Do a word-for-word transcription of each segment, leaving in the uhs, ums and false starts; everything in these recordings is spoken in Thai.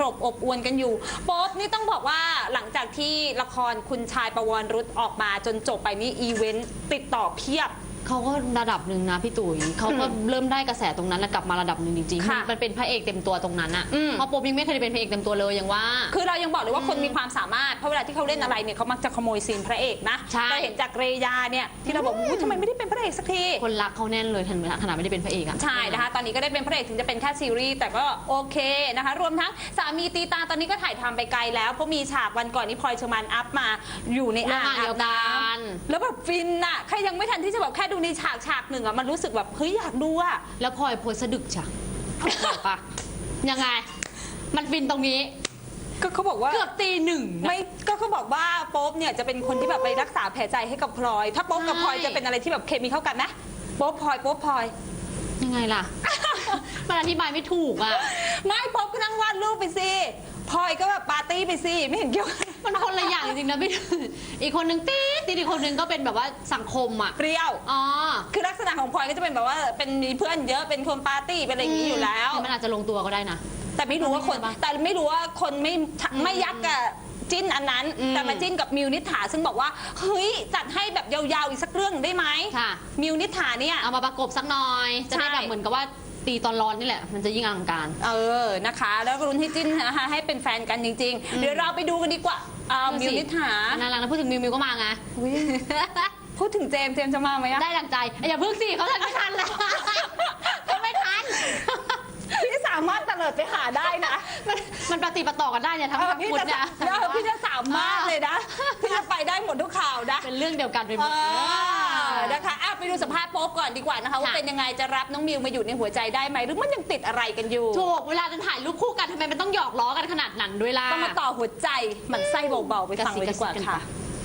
บอบอวลกันอยู่โป๊ปนี่ต้องบอกว่าหลังจากที่ละครคุณชายประวรรุตออกมาจนจบไปนี่อีเวนต์ติดต่อเพียบเขาก็ระดับหนึ่งนะพี่ตุ๋ยเขาก็เริ่มได้กระแสตรงนั้นแล้วกลับมาระดับหนึ่งจริงๆมันเป็นพระเอกเต็มตัวตรงนั้นอะเพราะโป๊ปยังไม่เคยเป็นพระเอกเต็มตัวเลยยังว่าคือเรายังบอกเลยว่าคนมีความสามารถเพราะเวลาที่เขาเล่นอะไรเนี่ยเขามักจะขโมยซีนพระเอกนะเราเห็นจากเรยาเนี่ยที่เราบอกทำไมไม่ได้เป็นพระเอกสักทีคนรักเขาแน่นเลยขนาดไม่ได้เป็นพระเอกอะใช่นะคะตอนนี้ก็ได้เป็นพระเอกถึงจะเป็นแค่ซีรีส์แต่ก็โอเคนะคะรวมทั้งสามีตีตาตอนนี้ก็ถ่ายทำไปไกลแล้วเพราะมีฉากวันก่อนนี้พลอยเชอร์มานอัพมาอยู่ในอ่างอาบน้ำแล้วแบบฟินอะใครยังไม่ทันที่จะแบบแค่ดูในฉากฉากหนึ่งอะมันรู้สึกแบบเฮ้ยอยากดูอะแล้วพลอยโพสสะดึกจ้ะปะยังไงมันฟินตรงนี้ก็เขาบอกว่าเกือบตีหนึ่งไม่ก็เขาบอกว่าโป๊ปเนี่ยจะเป็นคนที่แบบไปรักษาแผลใจให้กับพลอยถ้าโป๊ปกับพลอยจะเป็นอะไรที่แบบเคมีเข้ากันไหมโป๊ปพลอยโป๊ปพลอยยังไงล่ะมันอธิบายไม่ถูกอ่ะไม่โป๊ปก็นั่งวาดรูปไปสิพลอยก็แบบปาร์ตี้ไปสิไม่เห็นเกี่ยวมันคนละอย่างจริงๆนะพี่อีกคนนึงตีตีอีกคนนึงก็เป็นแบบว่าสังคมอ่ะเปรี้ยวอ๋อคือลักษณะของพลอยก็จะเป็นแบบว่าเป็นมีเพื่อนเยอะเป็นคนปาร์ตี้เป็นอะไรอย่างนี้อยู่แล้วมันอาจจะลงตัวก็ได้นะแต่ไม่รู้ว่าคนแต่ไม่รู้ว่าคนไม่ไม่ยักกับจิ้นอันนั้นแต่มาจิ้นกับมิวนิษฐาซึ่งบอกว่าเฮ้ยจัดให้แบบยาวๆอีกสักเรื่องได้ไหมมิวนิษฐาเนี่ยเอามาประกบสักหน่อยจะได้แบบเหมือนกับว่าตีตอนร้อนนี่แหละมันจะยิ่งอลังการเออนะคะแล้วก็รุ้นให้จิ้นนะคะให้เป็นแฟนกันจริงๆเดี๋ยวเราไปดูกันดีกว่ามิวนิษฐาน่ารักนะพูดถึงมิวมิวก็มาไงพูดถึงเจมเจมจะมาไหมได้ดังใจอย่าเพิ่งสิเขาทันไม่ทันเลยเขาไม่ทันพี่สามารถเตลิดไปหาได้นะมันปฏิปต่อกันได้เนี่ยทั้งหมดเนี่ยพี่จะสามารถเลยนะพี่จะไปได้หมดทุกข่าวนะเป็นเรื่องเดียวกันไปหมดนะคะไปดูสัมภาษณ์โป๊ปก่อนดีกว่านะคะว่าเป็นยังไงจะรับน้องมิวมาอยู่ในหัวใจได้ไหมหรือมันยังติดอะไรกันอยู่ถูกเวลาจะถ่ายรูปคู่กันทำไมมันต้องหยอกล้อกันขนาดนั้นด้วยล่ะต้องมาต่อหัวใจมันไส้เบาๆไปฟังเลยดีกว่าค่ะ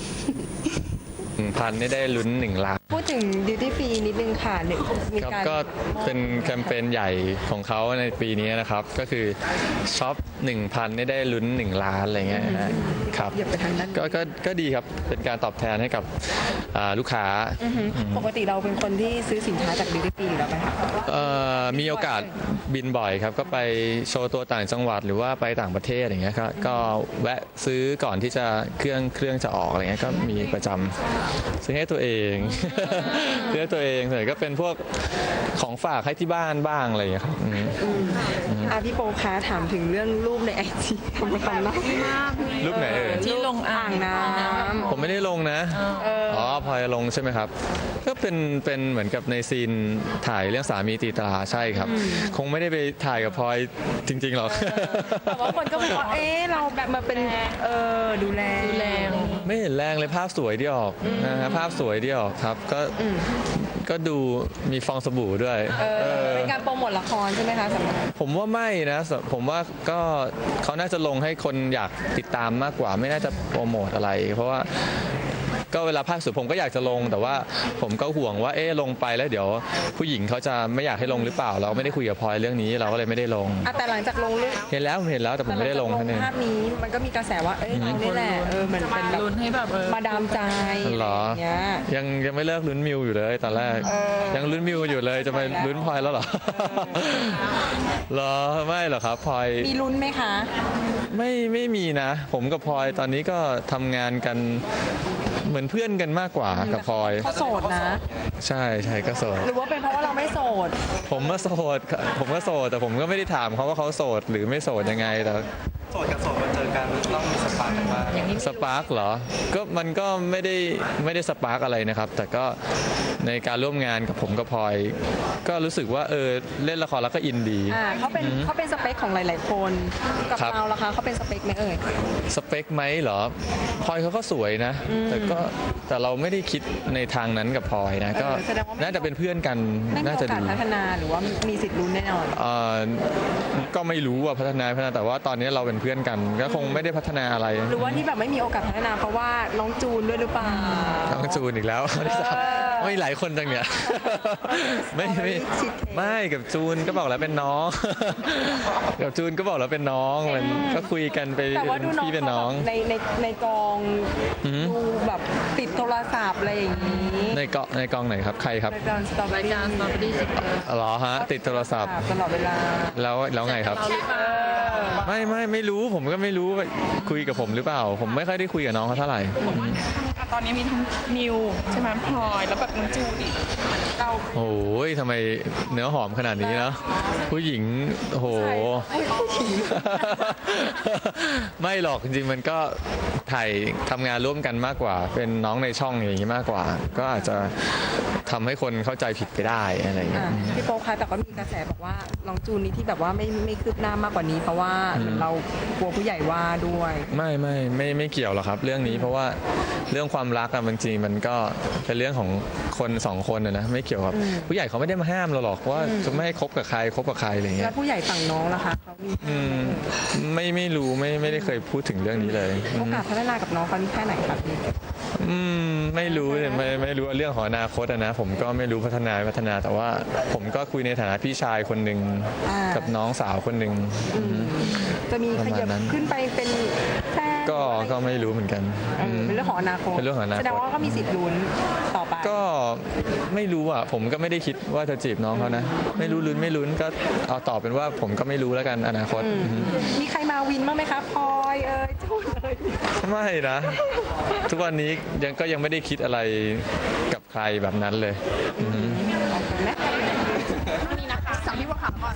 พันนี่ได้ลุ้นหนึ่งล้านพูดถึงดิวตี้ฟรีนิดนึงค่ะมีการก็เป็นแคมเปญใหญ่ของเขาในปีนี้นะครับก็คือช็อปหนึ่งพันนี่ได้ลุ้นหนึ่งล้านอะไรเงี้ยครับก็ก็ก็ดีครับเป็นการตอบแทนให้กับลูกค้าปกติเราเป็นคนที่ซื้อสินค้าจากดิวตี้ฟรีแล้วไหมคะมีโอกาสบินบ่อยครับก็ไปโชว์ตัวต่างจังหวัดหรือว่าไปต่างประเทศอย่างเงี้ยก็แวะซื้อก่อนที่จะเครื่องเครื่องจะออกอะไรเงี้ยก็มีประจำซื้อให้ตัวเองซื้อให้ตัวเองส่วนใหญ่ก็เป็นพวกของฝากให้ที่บ้านบ้างอะไรอย่างเงี้ยครับอ่ะพี่โป๊ปคะถามถึงเรื่องรูปในไอจีผมทำนะรูปไหนเอ่ยที่ลงอ่างน้ำผมไม่ได้ลงนะอ๋อพลอยลงใช่ไหมครับก็เป็นเป็นเหมือนกับในซีนถ่ายเรื่องสามีตีตราใช่ครับคงไม่ได้ไปถ่ายกับพลอยจริงๆหรอกแต่ว่าคนก็บอกว่าเอ๊ะเราแบบมาเป็นเออดูแลดูแลไม่เห็นแรงเลยภาพสวยที่ออกนะฮะภาพสวยที่ออกครับก็ก็ดูมีฟองสบู่ด้วยเป็นการโปรโมทละครใช่ไหมคะสำหรับผมว่าไม่นะผมว่าก็เขาน่าจะลงให้คนอยากติดตามมากกว่าไม่น่าจะโปรโมทอะไรเพราะว่าก็เวลาภาคสุดผมก็อยากจะลงแต่ว่าผมก็ห่วงว่าเอ๊ะลงไปแล้วเดี๋ยวผู้หญิงเขาจะไม่อยากให้ลงหรือเปล่าเราไม่ได้คุยกับพลอยเรื่องนี้เราก็เลยไม่ได้ลงแต่หลังจากลงเห็นแล้วเห็นแล้วแต่ผมไม่ได้ลงท่านเองภาพนี้มันก็มีกระแสว่าเอ้ยเรานี่แหละเออมันเป็นแบบมาดามใจเหรอยังยังไม่เลิกลุ้นมิวอยู่เลยตอนแรกยังลุ้นมิวอยู่เลยจะไปลุ้นพลอยแล้วเหรอเหรอไม่หรอครับพลอยมีลุ้นไหมคะไม่ไม่มีนะผมกับพลอยตอนนี้ก็ทำงานกันเหมือนเพื่อนกันมากกว่ากับพลอยเขาโสดนะใช่ใช่ก็โสดหรือว่าเป็นเพราะว่าเราไม่โสดผมก็โสดผมก็โสดแต่ผมก็ไม่ได้ถามเขาว่าเขาโสดหรือไม่โสดยังไงแต่โสดกับโสดมาเจอกันต้องมีสปาร์กกันบ้างสปาร์กเหรอก็มันก็ไม่ได้ไม่ได้สปาร์กอะไรนะครับแต่ก็ในการร่วมงานกับผมกับพลอยก็รู้สึกว่าเออเล่นละครแล้วก็อินดีอ่าเขาเป็นเขาเป็นสเปคของหลายๆคนกับเราล่ะคะเขาเป็นสเปคไหมเอ่ยสเปคไหมเหรอพลอยเขาก็สวยนะแต่ก็แต่เราไม่ได้คิดในทางนั้นกับพลอยนะก็น่าจะเป็นเพื่อนกันน่าจะดีพัฒนาหรือว่ามีสิทธิ์ลุ้นแน่นอนอ่าก็ไม่รู้ว่าพัฒนาพัฒนาแต่ว่าตอนนี้เราเป็นเพื่อนกันก็คงไม่ได้พัฒนาอะไรหรือว่าที่แบบไม่มีโอกาสพัฒนาเพราะว่าน้องจูนด้วยหรือเปล่าน้องจูนอีกแล้วไม่ทราบไม่หลายคนจังเนี่ยไม่ไม่ไม่กับจูนก็บอกแล้วเป็นน้อง กับจูนก็บอกแล้วเป็นน้องมันก็คุยกันไปแต่ว่าดูน้องพี่เป็นน้องเขาแบบในในในกองอือหือดูแบบติดโทรศัพท์อะไรอย่างนี้ในเกาะในกองไหนครับใครครับรายการสตอรายรี่การสตรอเบอรี่สิบเออเหรอฮะติดโทรศัพท์ตลอดเวลาแล้วแล้วไงครับเราหรือเปล่าไม่ไม่ไม่รู้ผมก็ไม่รู้ว่าคุยกับผมหรือเปล่า ผมไม่ค่อยได้คุยกับน้องเขาเท่าไหร่ตอนนี้มีทั้งนิวใช่ไหมพลอยแล้วแบบน้องจูดิเราโอ้ยทำไมเนื้อหอมขนาดนี้เนาะผู้หญิงโอ้โห ไม่หรอกจริงๆมันก็ถ่ายทำงานร่วมกันมากกว่า เป็นน้องในช่องอย่างนี้มากกว่า ก็อาจจะทำให้คนเข้าใจผิดไปได้อะไรอย่างเงี้อ่ะยพี่โป๊คะแต่ก็มีกระแสบอกว่าน้องจูนนี่ที่แบบว่าไม่ไม่คืบหน้ามากกว่านี้ เพราะว่าเหมือนเรากลัวผู้ใหญ่ว่าด้วยไม่ไม่ไม่ไม่เกี่ยวหรอกครับ เรื่องนี้เพราะว่าเรื่องความรักอะบางทีมันก็เป็นเรื่องของคนสองคนอะนะไม่เกี่ยวกับผู้ใหญ่เขาไม่ได้มาห้ามเราหรอกว่าจะไม่ให้คบกับใครคบกับใครอะไรอย่างเงี้แล้ยวผู้ใหญ่ฝั่งน้องล่ะคะเขามีอืมไม่ไม่รู้ไม่ไม่ได้เคยพูดถึงเรื่องนี้เลยอืโอมกาสพัฒนากับน้องเขานี่แค่ไหนครับพี่อืมไม่รู้เนี่ยไม่ไม่รู้เรื่องของอนาคตอะนะผมก็ไม่รู้พัฒนาไม่พัฒนาแต่ว่า ผมก็คุยในฐานะพี่ชายคนหนึ่งอ่ากักับน้องสาวคนหนึ่งอืมจะมีขยับประมาณนั้นขึ้นไปเป็นแฟนก็ก็ไม่รู้เหมือนกันเอออืมเป็นเรื่องของอนาคตเป็นเรื่องของอนาคตแสดงว่าก็มีสิทธิ์ลุ้นต่อไปก็ไม่รู้อ่ะผมก็ไม่ได้คิดว่าจะจีบน้องเขานะ ไม่รู้ลุ้นไม่ลุ้นก็เอาตอบเป็นว่าผมก็ไม่รู้แล้วกันอนาคตอืมอืมมีใครมาวินบ้างไหมคะพลอยเอ้ยจูนเอ้ยไม่นะ ทุกวันนี้ยังก็ยังไม่ได้คิดอะไรกับใครแบบนั้นเลยอืมไหมนี่นะคะสั่งพี่บัวขาวก่อน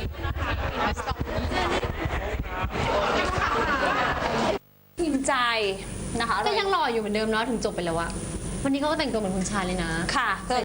ทีมใจนะคะก็ยังหล่ออยู่เหมือนเดิมเนาะถึงจบไปแล้วอะวันนี้เขาก็แต่งตัวเหมือนคุณชายเลยนะค่ะ